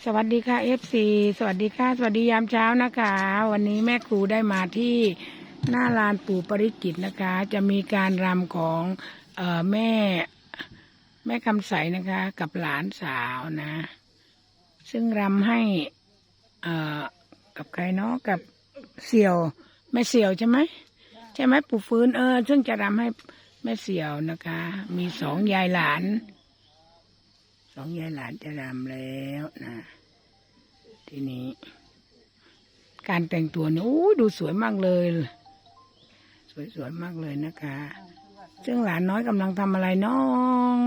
สวัสดีค่ะFC สวัสดีค่ะสวัสดียามเช้านะคะ วันนี้แม่ครูได้มาที่หน้าลานปู่ปริจิตรนะคะ จะมีการรำของแม่คำใสนะคะ กับหลานสาวนะ ซึ่งรำให้กับใครเนาะกับเสี่ยวแม่เสี่ยวใช่ไหมปู่ฟื้นซึ่งจะรำให้แม่เสี่ยวนะคะ มีสองยายหลานจะรำแล้วนะทีนี้การแต่งตัวเนี่ยดูสวยมากเลยสวยมากเลยนะคะซึ่งหลานน้อยกำลังทำอะไรน้อง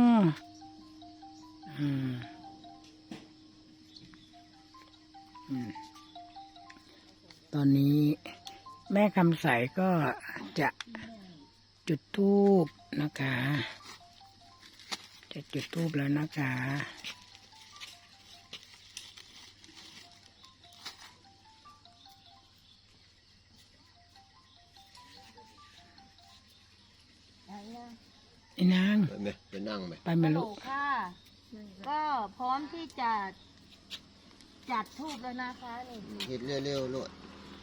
ตอนนี้แม่คำใสก็จะจุดธูปนะคะจะจุดธูปแล้วนะคะไอ้นางไปนั่งไหมไปไหมลูกค่ะก็พร้อมที่จะจัดธูปแล้วนะคะเห็ดเร็วๆลูก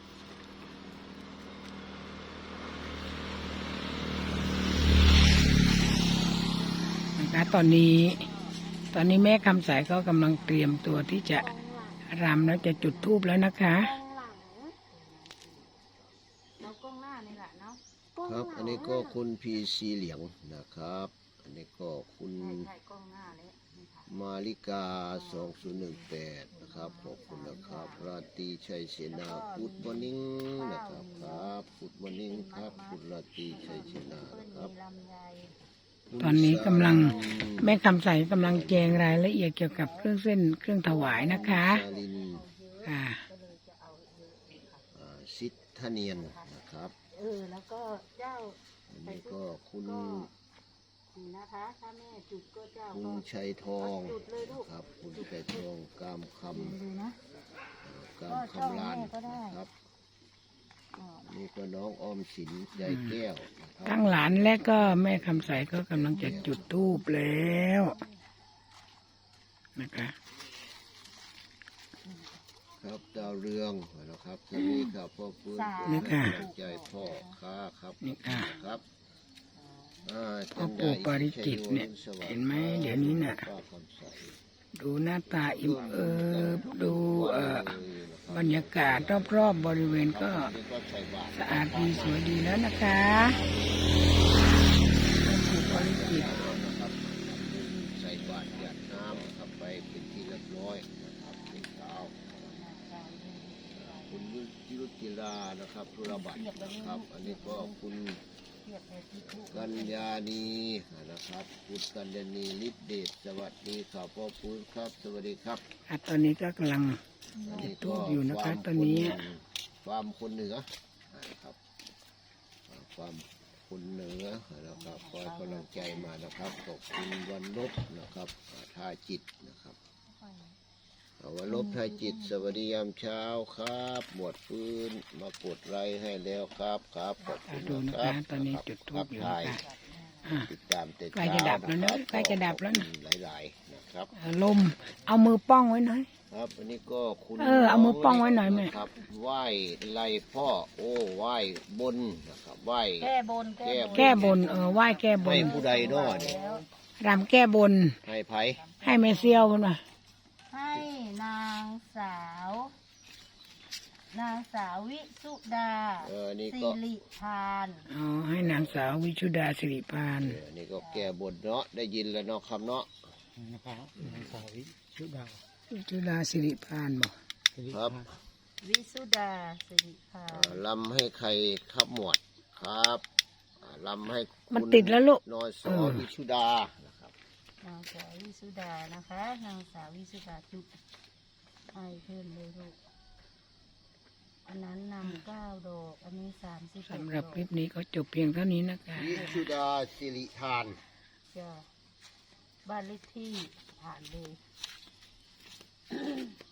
นะคะตอนนี้แม่คำใสก็กำลังเตรียมตัวที่จะรำแล้วจะจุดธูปแล้วนะคะเราก้มหน้านี่แหละเนาะครับอันนี้ก็คุณพีซีเหลียงนะครับอันนี้ก็คุณมาริกา2018นะครับขอบคุณนะครับราตรีชัยเสนาพุทธมอนิ่งนะครับพุทธมอนิ่งครับคุณราตรีชัยเสนานะครับตอนนี้กำลังแม่คำใสกำลังแจงรายละเอียดเกี่ยวกับเครื่องเส้นเครื่องถวายนะคะค่ะสิทธเนียนนะครับแล้วก็เจ้าอันนี้ก็คุณนะคะถ้าแม่จุดก็เจ้าคุณชัยทองครับคุณชัยทองกามคำลานครับนี่ก็น้องออมสินใจแก้วทั้งหลานและก็แม่คำใสก็กำลังจะจุดธูปแล้วนะคะครับดาวเรืองนะครับสวัสดีครับพ่อฟื้นใจพ่อค้าครับนี่ค่ะครับพ่อปู่ปริจิตรเนี่ยเห็นไหมเดี๋ยวนี้น่ะดูหน้าตาอิ่มดูบรรยากาศรอบๆบริเวณก็สะอาดดีสวยดีแล้วนะคะพ่อปู่ปริจิตรใส่บาตรหยาดน้ำครับไปเป็นที่เรียบร้อยนะครับเป็นเช้าคุณยุทธิรานะครับธุรบัตรครับอันนี้ก็คุณกัญญาณีนะครับคุณกัญญาณีฤทธิเดชสวัสดีครับพ่อฟื้นครับสวัสดีครับตอนนี้ก็กำลังจุดธูปอยู่นะคะตอนนี้ความคนเหนือนะครับความคนเหนือนะครับคอยกำลังใจมานะครับขอบคุณวันลบนะครับท่าจิตนะครับวันลบท่าจิตสวัสดียามเช้าครับหมวดฟื้นมากดไลค์ให้แล้วครับขอบคุณนะครับตอนนี้จุดธูปอยู่นะคะติดตามใกล้จะดับแล้วนะใกล้จะดับแล้วนะหลายๆนะครับลมเอามือป้องไว้หน่อยครับอันนี้ก็คุณเอามือป้องไว้หน่อยแม่ครับไหว้ไล่พ่อไหว้บนนะครับไหว้แก้บนไหว้แก้บนให้ผู้ใดน้อเนี่ยรำแก้บนให้ไผให้แม่เซี่ยวกันมาให้นางสาววิสุดาสิริพานให้นางสาววิชุดาสิริพานนี่ก็แก้บนเนาะได้ยินแล้วเนาะคำเนาะนะครับนางสาววิชุดาสิริพานบอกครับวิสุดาสิริพานลำให้ใครครับหมวดครับลำให้มันติดแล้วลูกนอยสอวิชุดานะครับนางสาววิสุดานะคะนางสาววิสุดาจุดให้เพิ่มเลยลูกอันนั้นนำ9 ดอกอันนี้30 สำหรับคลิปนี้ก็จบเพียงเท่านี้นะคะวิชุดาสิริทานจ้ะบ้านเลขที่ผ่านเลย